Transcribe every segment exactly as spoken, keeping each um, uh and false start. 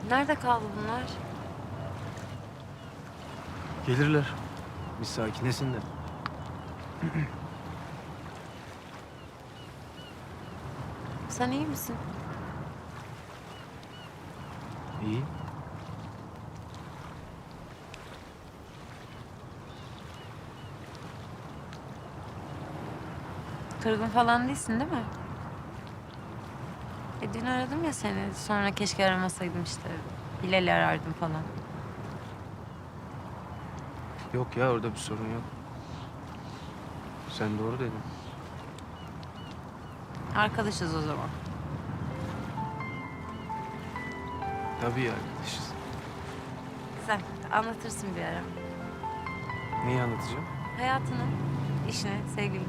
Nerede kaldı bunlar? Gelirler. Bir sakinlesinler. Sen iyi misin? İyi. Kırgın falan değilsin değil mi? E dün aradım ya seni. Sonra keşke aramasaydım işte. Hilal'i arardım falan. Yok ya, orada bir sorun yok. Sen doğru dedin. Arkadaşız o zaman. Tabii ya, arkadaşız. Güzel. Anlatırsın bir ara. Neyi anlatacağım? Hayatını, işini, sevgilini.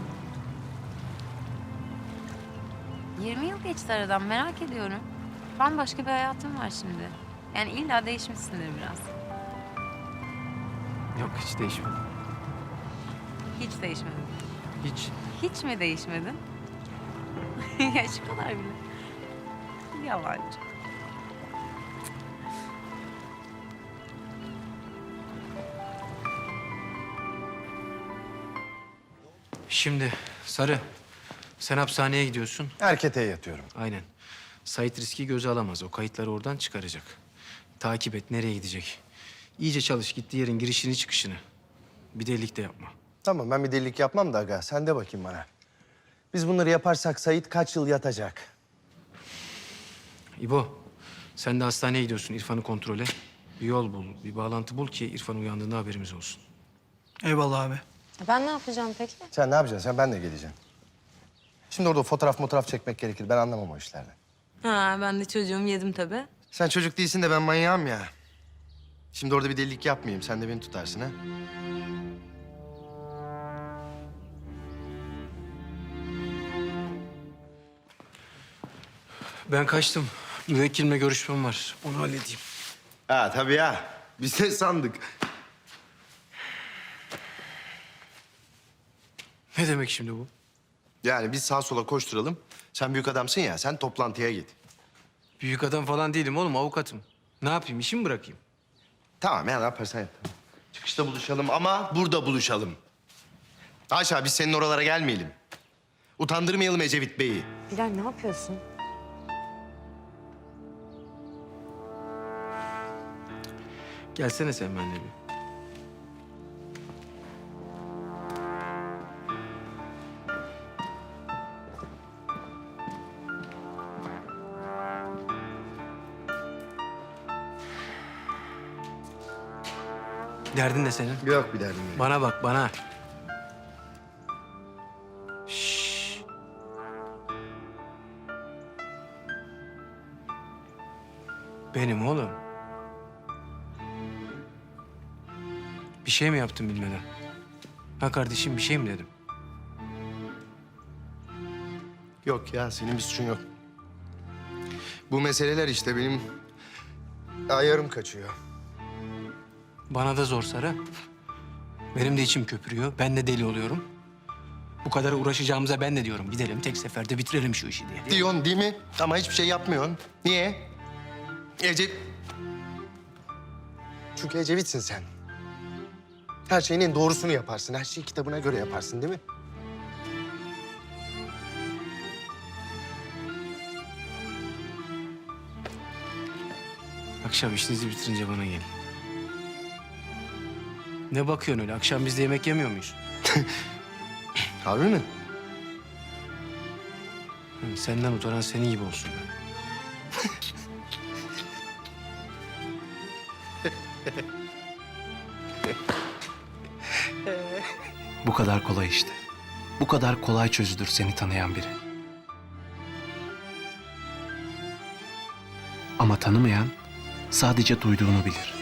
yirmi yıl geçti aradan, merak ediyorum. Bambaşka bir hayatım var şimdi. Yani illa değişmişsindir biraz. Yok, hiç değişmedi. Hiç değişmedin. Hiç. Hiç mi değişmedin? Ya şu kadar bile. Yalancı. Şimdi Sarı, sen hapishaneye gidiyorsun. Erkete yatıyorum. Aynen. Sait riski göze alamaz. O kayıtları oradan çıkaracak. Takip et, nereye gidecek. İyice çalış, gittiği yerin girişini çıkışını. Bir delilik de yapma. Tamam, ben bir delilik yapmam da aga. Sen de bakayım bana. Biz bunları yaparsak Sait kaç yıl yatacak? İbo, sen de hastaneye gidiyorsun İrfan'ı kontrole. Bir yol bul, bir bağlantı bul ki İrfan uyandığında haberimiz olsun. Eyvallah abi. Ben ne yapacağım peki? Sen ne yapacaksın? Sen ben de geleceğim. Şimdi orada fotoğraf fotoğraf çekmek gerekir. Ben anlamam o işlerden. Ha, ben de çocuğum yedim tabii. Sen çocuk değilsin de ben manyağım ya. Şimdi orada bir delilik yapmayayım. Sen de beni tutarsın ha. Ben kaçtım. Müvekkilimle görüşmem var. Onu halledeyim. Ha tabii ya. Biz de sandık. Ne demek şimdi bu? Yani biz sağa sola koşturalım. Sen büyük adamsın ya. Sen toplantıya git. Büyük adam falan değilim oğlum, avukatım. Ne yapayım, işimi bırakayım? Tamam ya, ne yaparsan yap. Çıkışta buluşalım ama burada buluşalım. Haşa, biz senin oralara gelmeyelim. Utandırmayalım Ecevit Bey'i. Bilal ne yapıyorsun? Gelsene sen benimle bir. Derdin ne senin? Yok bir derdim yok. Bana bak, bana. Şşş. Benim oğlum. Bir şey mi yaptım bilmeden? Ha kardeşim, bir şey mi dedim? Yok ya, senin bir suçun yok. Bu meseleler işte benim ayarım kaçıyor. Bana da zor Sarı. Benim de içim köpürüyor. Ben de deli oluyorum. Bu kadar uğraşacağımıza ben de diyorum. Gidelim tek seferde bitirelim şu işi diye. Diyorsun değil mi? Ama hiçbir şey yapmıyorsun. Niye? Ece... Çünkü Ecevit'sin sen. Her şeyin en doğrusunu yaparsın. Her şeyi kitabına göre yaparsın değil mi? Akşam işinizi bitirince bana gelin. Ne bakıyorsun öyle? Akşam biz de yemek yemiyor muyuz? Harbi mi? Hı, senden utanan senin gibi olsun ben. Bu kadar kolay işte. Bu kadar kolay çözülür seni tanıyan biri. Ama tanımayan sadece duyduğunu bilir.